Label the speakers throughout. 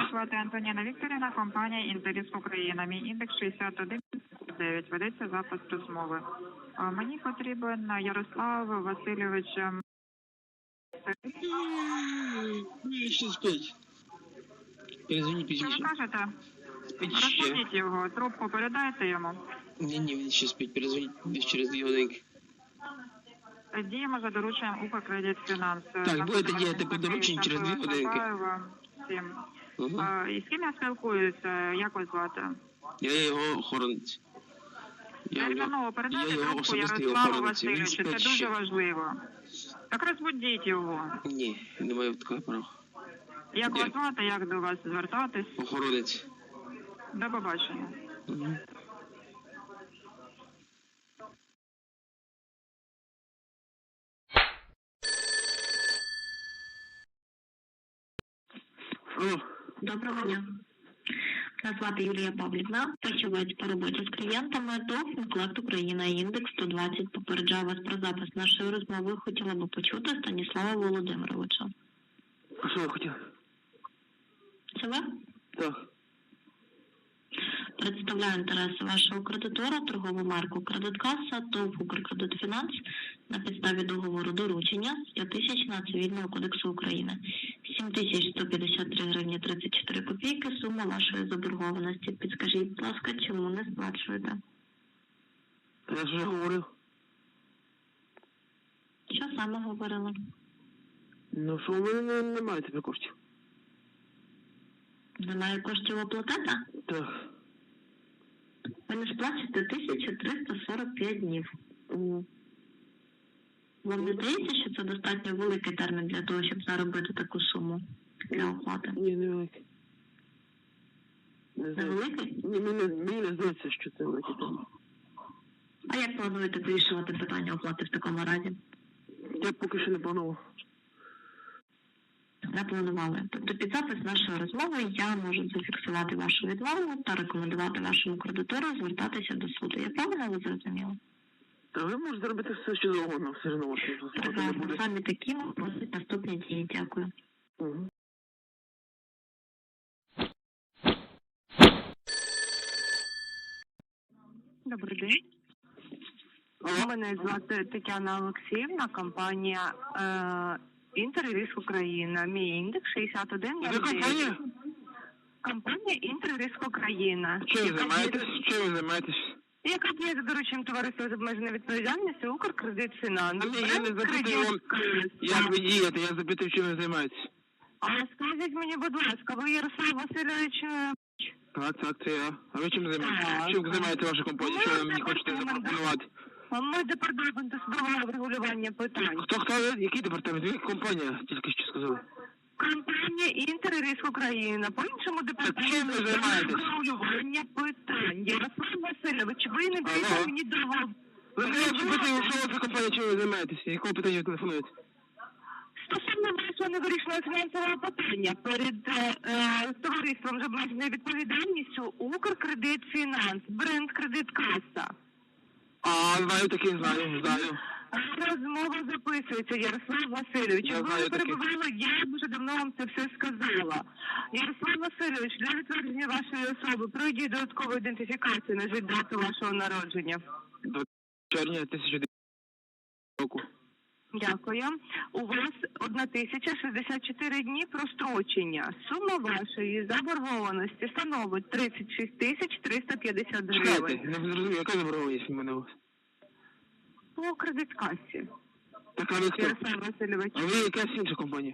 Speaker 1: Мене звати Антоніна Вікторівна, компанія «Інтеріс Україна». Мій індекс 61,9. Ведеться запис розмови. Мені потрібен Ярослав Васильович.
Speaker 2: Ще спить. Перезвони
Speaker 1: Що
Speaker 2: пізніше.
Speaker 1: ви кажете?
Speaker 2: Спить ще.
Speaker 1: Розбудіть його, трубку передайте йому.
Speaker 2: Ні, він ще спить. Перезвоніть десь через 2 годинки.
Speaker 1: Діємо за дорученням «Укркредитфінанс».
Speaker 2: Так, будете діяти по дорученню через 2 годинки. Угу.
Speaker 1: І з ким я спілкуюся? Як вас звати?
Speaker 2: Я його охоронець.
Speaker 1: Терміново передайте
Speaker 2: його
Speaker 1: трубку
Speaker 2: особистий
Speaker 1: Ярославу
Speaker 2: охоронець. Він
Speaker 1: Васильовичу, це
Speaker 2: спить
Speaker 1: дуже
Speaker 2: ще.
Speaker 1: важливо. Так розбудіть його.
Speaker 2: Ні, не маю такого права.
Speaker 1: Як вас звати, як до вас звертатись?
Speaker 2: Охоронець.
Speaker 1: До побачення.
Speaker 2: Угу. Алло.
Speaker 3: Доброго дня. Мене звати Юлія Павлівна, фахівець по роботі з клієнтами до Фінклект Україна, індекс 120. Попереджаю вас про запис нашої розмови. Хотіла би почути Станіслава Володимировича.
Speaker 2: А що ви хотіли?
Speaker 3: Це ви?
Speaker 2: Так.
Speaker 3: Представляю інтереси вашого кредитора, торгову марку «Кредиткаса», ТОВ «Укркредитфінанс» на підставі договору доручення з 5000 Цивільного кодексу України. 7153 гривні 34 копійки – сума вашої заборгованості. Підскажіть, будь ласка, чому не сплачуєте?
Speaker 2: Я ж вже говорив.
Speaker 3: Що саме говорили?
Speaker 2: Ну, що у мене немає тепер коштів.
Speaker 3: Немає коштів оплатити?
Speaker 2: Так.
Speaker 3: Ви не сплачуєте 1345 днів. Вам не здається, що це достатньо великий термін для того, щоб заробити таку суму для оплати?
Speaker 2: Ні, невеликий.
Speaker 3: Не великий?
Speaker 2: Ні, мені не здається, що це великий термін.
Speaker 3: А як плануєте вирішувати питання оплати в такому разі?
Speaker 2: Я поки що не планував.
Speaker 3: Не планували. Тобто під запис нашої розмови я можу зафіксувати вашу відмову та рекомендувати вашому кредитору звертатися до суду. Я правильно ви зрозуміла?
Speaker 2: Та ви можете зробити все, що завгодно, все одно вас не
Speaker 3: Прекрасно.
Speaker 2: буде.
Speaker 3: Саме такі просять наступні дії. Дякую.
Speaker 2: Угу.
Speaker 1: Добрий день. Мене звати Тетяна Олексіївна, компанія «Інтерриск Україна». Мій індекс 61.
Speaker 2: Це компанія?
Speaker 1: Компанія «Інтерриск Україна».
Speaker 2: Чим ви займаєтесь? Чим ви займаєтесь?
Speaker 1: Яка діє за дорученням товариства з обмеженою відповідальністю «Укркредитфінанс».
Speaker 2: Я не запитую вам, як ви дієте, я запитую, чим ви займаєтесь.
Speaker 1: А скажіть мені, будь ласка, ви Ярослав Васильович?
Speaker 2: Так, це я. А ви чим займаєтесь?
Speaker 1: Так.
Speaker 2: Чим займаєте ваша компанія? Що ви мені хочете запропонувати?
Speaker 1: Ми департамент судового врегулювання питань.
Speaker 2: Хто ви? Який департамент? Яка компанія? Тільки що сказали.
Speaker 1: Компанія «Інтерриск Україна». По-іншому департамент
Speaker 2: чим ви займаєтесь?
Speaker 1: врегулювання питань. Ярослав Васильович, ви не даєте
Speaker 2: Алло.
Speaker 1: мені договор.
Speaker 2: Ви мене запитуєте, що ви за компанія, чим ви займаєтесь? Якого питання ви телефонуєте?
Speaker 1: Стосовно вашого невирішеного фінансового питання перед товариством з обмеженою відповідальністю «Укркредитфінанс», бренд «Кредиткаса».
Speaker 2: Знаю таке, знаю.
Speaker 1: Розмова записується, Ярослав Васильович.
Speaker 2: Я
Speaker 1: Ви
Speaker 2: знаю
Speaker 1: не
Speaker 2: таке.
Speaker 1: перебували, я дуже давно вам це все сказала. Ярослав Васильович, для відтвердження вашої особи пройдіть додаткову ідентифікацію, назвіть дату вашого народження.
Speaker 2: До червня 2009 року.
Speaker 1: Дякую. У вас 1064 дні прострочення. Сума вашої заборгованості становить 36 350 гривень.
Speaker 2: Чекайте, не зрозумів, яка заборгованість в мене у вас?
Speaker 1: По кредиткасі.
Speaker 2: Так, а ви хто?
Speaker 1: Ярослав Васильович.
Speaker 2: А ви якась інша компанія?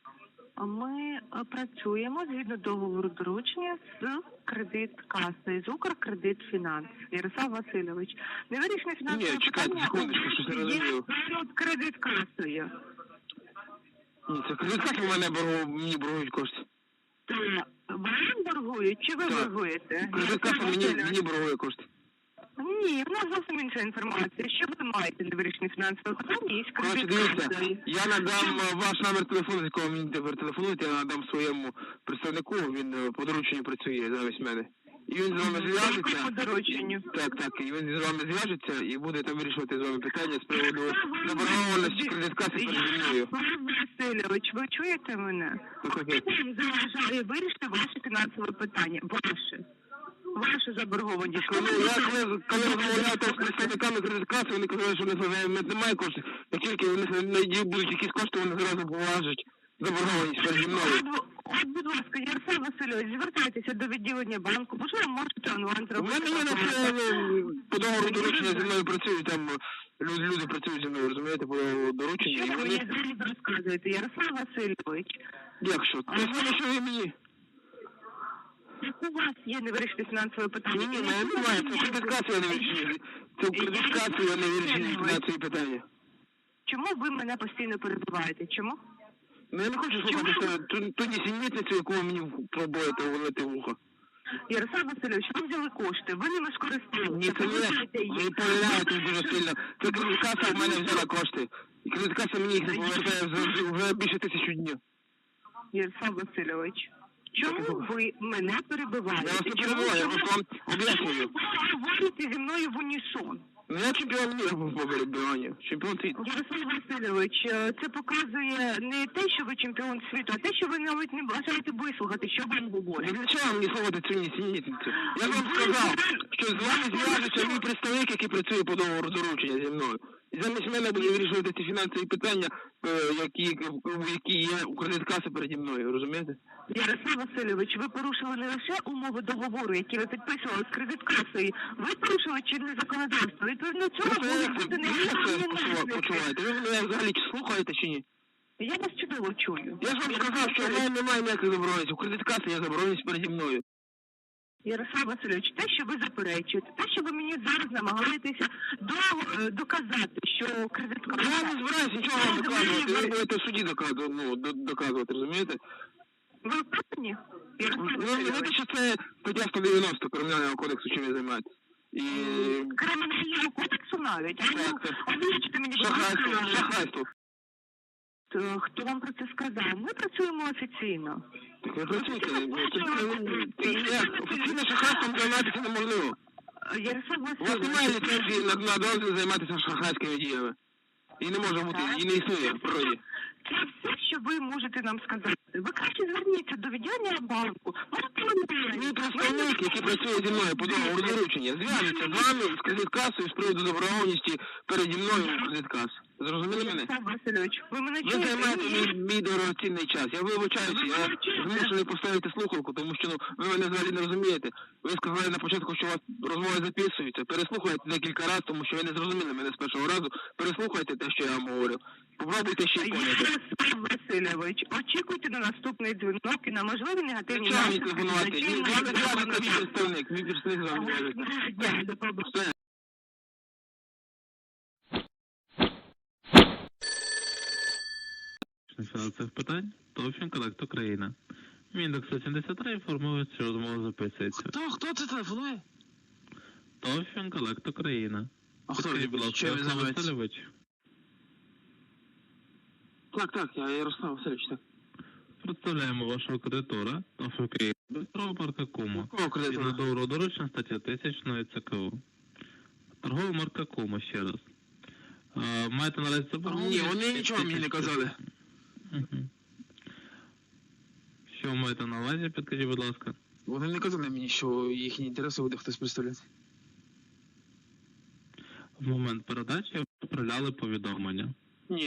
Speaker 1: Ми працюємо згідно договору доручення з кредиткасою, з «Укркредитфінанс». Ярослав Васильович. Невирішене фінансове
Speaker 2: Ні, чекайте,
Speaker 1: питання
Speaker 2: секундочку, щось не
Speaker 1: є
Speaker 2: розумію.
Speaker 1: перед кредиткасою.
Speaker 2: Ні, це кредитка в мене мені боргують кошти.
Speaker 1: То вам боргують чи ви
Speaker 2: Так.
Speaker 1: боргуєте?
Speaker 2: Кредитка
Speaker 1: Ярослав Васильович.
Speaker 2: мені боргує кошти.
Speaker 1: Ні, в нас зовсім інша інформація. Що ви маєте невирішене фінансове питання із
Speaker 2: Коротше, дивіться,
Speaker 1: кредиткасою?
Speaker 2: я надам ваш номер телефону, з якого мені тепер телефонуєте, я надам своєму представнику, він по дорученню працює замість мене. І він з вами зв'яжеться.
Speaker 1: По дорученню.
Speaker 2: Так, і він з вами зв'яжеться і буде там вирішувати з вами питання з приводу заборгованості кредитка. кредиткаси переді мною.
Speaker 4: Павло Васильович, ви чуєте мене?
Speaker 2: Окей.
Speaker 4: Хто вам заважає вирішити ваше фінансове питання? Вашу заборгованість.
Speaker 2: Коли розмовляв там з представниками кредиткаси, вони казали, що в них немає коштів. Як тільки в них будуть якісь кошти, вони зразу поважать заборгованість переді мною.
Speaker 4: От, будь ласка, Ярослав Васильович, звертайтеся до відділення банку, можливо, можете онлайн
Speaker 2: У
Speaker 4: зробити.
Speaker 2: мене є на все по договору доручення зі мною працюють, там люди працюють зі мною, розумієте, по договору доручення.
Speaker 4: Що
Speaker 2: І
Speaker 4: ви
Speaker 2: вони...
Speaker 4: мені зараз розказуєте, Ярослав Васильович?
Speaker 2: Як що? Те саме, що і мені.
Speaker 4: У вас є не вирішити фінансове питання?
Speaker 2: Ні, немає, це кредиткація не вирішення. Це кредиткація не вирішення фінансові питання.
Speaker 4: Чому ви мене постійно перебуваєте? Чому?
Speaker 2: Ну я не хочу слухати ту нісенітницю, яку ви мені пробуєте ввалити в ухо.
Speaker 4: Ярослав Васильович, ви взяли кошти, ви ними скористалися.
Speaker 2: Ні, це не ви помиляєтесь дуже сильно. Це кредиткаса в мене взяла кошти. І кредиткаса мені їх не повертає вже більше 1000 днів.
Speaker 4: Ярослав Васильович, чому ви мене перебиваєте?
Speaker 2: Я вас не перебиваю, я просто вам об'яснюю.
Speaker 4: Ви говорите зі мною в унісон.
Speaker 2: Ну я чемпіон міра по перебиванню. Чемпіон світу.
Speaker 4: Ярослав Васильович, це показує не те, що ви чемпіон світу, а те, що ви навіть не бажаєте вислухати, що вам говорять.
Speaker 2: Для чого мені слухати цю нісенітницю? Я вам сказав, що з вами зв'яжеться мій представник, який працює по договору доручення зі мною. І замість мене буде вирішувати ці фінансові питання, які є у кредиткаси переді мною, розумієте?
Speaker 4: Ярослав Васильович, ви порушили не лише умови договору, які ви підписували з кредиткасою, ви порушили чинне законодавство. Відповідно цього може бути не
Speaker 2: почуваєте? Ви мене взагалі слухаєте чи ні?
Speaker 4: Я вас чудово чую.
Speaker 2: Я ж вам сказав, що в мене немає ніяких забороненостей. У кредиткаси є забороненість переді мною.
Speaker 4: Ярослав Васильович, те, що ви заперечуєте, те, що ви мені зараз намагаєтеся доказати, що кредиткаса...
Speaker 2: Я не збираюся нічого вам доказувати. Ви будете в суді доказувати, розумієте?
Speaker 4: Ви впевнені?
Speaker 2: Ви знаєте, що це стаття 190 Кримінального кодексу, чим ви займаєтесь? І...
Speaker 4: Кримінального кодексу навіть?
Speaker 2: Так.
Speaker 4: Озвучте мені, будь ласка.
Speaker 2: Шахрайство.
Speaker 4: Хто вам про це сказав? Ми працюємо офіційно.
Speaker 2: Так ви працюєте. Офіційно шахрайством займатися неможливо.
Speaker 4: Ярослав
Speaker 2: У вас
Speaker 4: Васильович...
Speaker 2: немає ліцензії на дозвіл займатися шахрайськими діями. І не може бути, і не існує в природі.
Speaker 4: Це все, що ви можете нам сказати. Ви краще зверніться до відділення банку.
Speaker 2: Мій представник, який працює зі мною по договору доручення, зв'яжеться з вами з кредиткасою з приводу заборгованості переді мною кредиткас. Зрозуміли мене?
Speaker 4: Ярослав Васильович, ви мене
Speaker 2: Ви
Speaker 4: чуєте?
Speaker 2: займаєте мій дорогоцінний час. Я вибачаюся, я змушений поставити слухавку, тому що ви мене взагалі не розумієте. Ви сказали на початку, що у вас розмови записуються. Переслухайте декілька разів, тому що ви не зрозуміли мене з першого разу. Переслухайте те, що я вам говорю. Попробуйте ще й поняти.
Speaker 4: Ярослав Васильович, очікуйте на наступний дзвінок і на можливі негативні
Speaker 2: Чого мені телефонувати? З вами зв'яжеться мій представник. Мій представник з вами зв'яжеться. Все.
Speaker 5: Фінансових питань ТОВ «Фінколект Україна». Мій індекс 173 інформує, що розмова записується.
Speaker 2: Хто це телефонує?
Speaker 5: ТОВ «Фінколект Україна».
Speaker 2: А хто
Speaker 5: Підкажіть, будь
Speaker 2: він?
Speaker 5: ласка,
Speaker 2: Чим він
Speaker 5: Ярослав
Speaker 2: займається?
Speaker 5: Васильович.
Speaker 2: Так, я Ярослав Васильович, так.
Speaker 5: Представляємо вашого кредитора ТОВ «Україна». Бистрова марка Кума.
Speaker 2: Якого кредитора?
Speaker 5: Згідно договору доручення стаття 1000 ЦКУ. Торгова марка Кума, ще раз. Маєте наразі заборгованість?
Speaker 2: Ні, вони нічого мені не казали.
Speaker 5: Угу. Що ви маєте на увазі, підкажіть, будь ласка.
Speaker 2: Вони не казали мені, що їхні інтереси буде хтось представляти.
Speaker 5: В момент передачі відправляли повідомлення.
Speaker 2: Ні,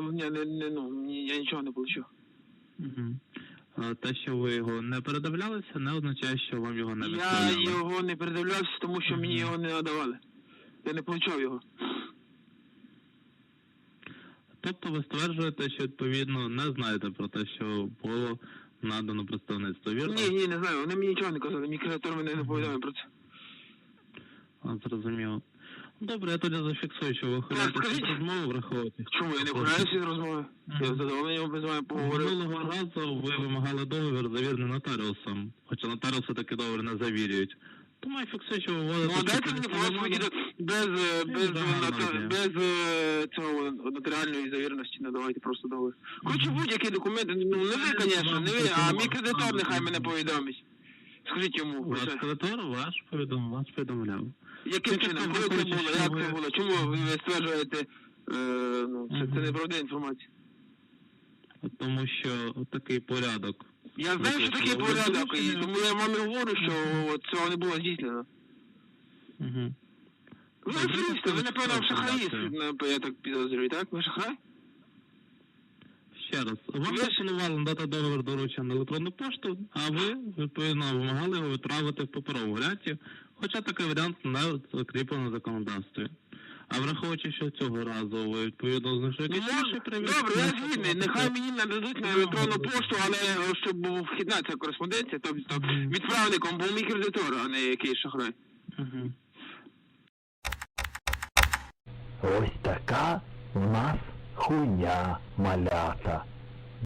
Speaker 2: я нічого не получив.
Speaker 5: Угу. Те, що ви його не передивлялися, не означає, що вам його не
Speaker 2: Я
Speaker 5: відправляли.
Speaker 2: його не передивлявся, тому що мені його не надавали. Я не получав його.
Speaker 5: Тобто ви стверджуєте, що відповідно не знаєте про те, що було надано представництво, вірно?
Speaker 2: Ні, не знаю, вони мені нічого не казали, мій кредитор мене не повідомив про це.
Speaker 5: Зрозуміло. Добре, я тоді зафіксую, що ви
Speaker 2: скажіть.
Speaker 5: хочете розмову враховувати.
Speaker 2: Чому? Я не граюся з розмови. Я задоволений без вами поговорив.
Speaker 5: Минулого разу ви вимагали договір завірений нотаріусом, хоча нотаріуси таки договір не завірюють. Тому я фіксую, що ви вводите...
Speaker 2: Ну, дайте мені відповіді без цього нотаріальної завіреності, надавайте просто договір. Хочу будь-які документи, не ви, звісно, не ви, а мій кредитор нехай мене повідомить. Скажіть йому.
Speaker 5: Ваш кредитор вас повідомляв.
Speaker 2: Яким чином? Коли це було? Як це було? Чому ви стверджуєте Ну, це неправдива інформація.
Speaker 5: Тому що такий порядок.
Speaker 2: Я знаю, що такий порядок, і тому я вам і говорю, що цього не було здійснено.
Speaker 5: Угу.
Speaker 2: Ви аферисти, ви, напевно, шахраї, я так підозрюю, так? Ви шахрай?
Speaker 5: Ще раз, вам запропонували надати договір доручення на електронну пошту, а ви, відповідно, вимагали його відправити в паперовому варіанті, хоча такий варіант не закріплений в законодавстві. А враховуючи, що цього разу ви, відповідно, знайшли якісь інші привід...
Speaker 2: Добре, я згідний, нехай мені нададуть на електронну пошту, але щоб був вхідна ця кореспонденція, тобто відправником був мій кредитор, а не якийсь шахрай.
Speaker 5: Угу.
Speaker 6: Ось така у нас хуйня, малята.